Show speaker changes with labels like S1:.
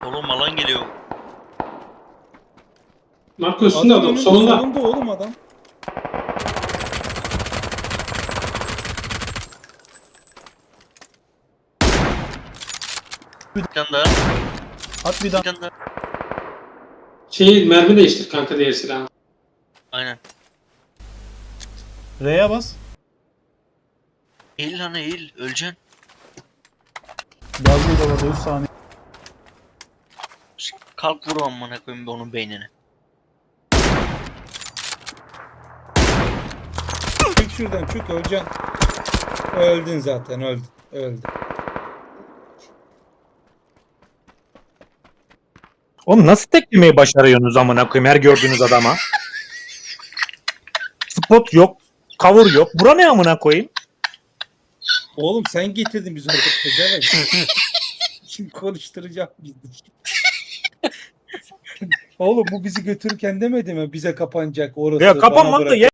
S1: Oğlum alan geliyor.
S2: Marco üstünde adam. Solunda.
S3: Solunda oğlum adam.
S1: Bir tane daha.
S4: At bir
S1: Bir
S4: daha.
S1: tane daha.
S2: Mermi değiştir kanka diğer silahı.
S1: Aynen.
S4: R'ye bas.
S1: Eğil lan eğil. Öleceksin.
S4: Gazlı da var 3 saniye.
S1: Kalk vur amına koyayım bir onun beynine.
S3: Çık şuradan çık öleceksin. Öldün zaten öldün. Öldün.
S5: Oğlum nasıl teklemeyi başarıyorsunuz amına koyayım her gördüğünüz adama? Spot yok, cover yok. Bura ne amına koyayım?
S3: Oğlum sen getirdin bizi orada pezevenk. Şimdi konuşturacağım bizi. Oğlum bu bizi götürürken demedi mi? Bize kapanacak orası.
S5: Ya
S3: bana
S5: kapanmadı da
S3: bırak.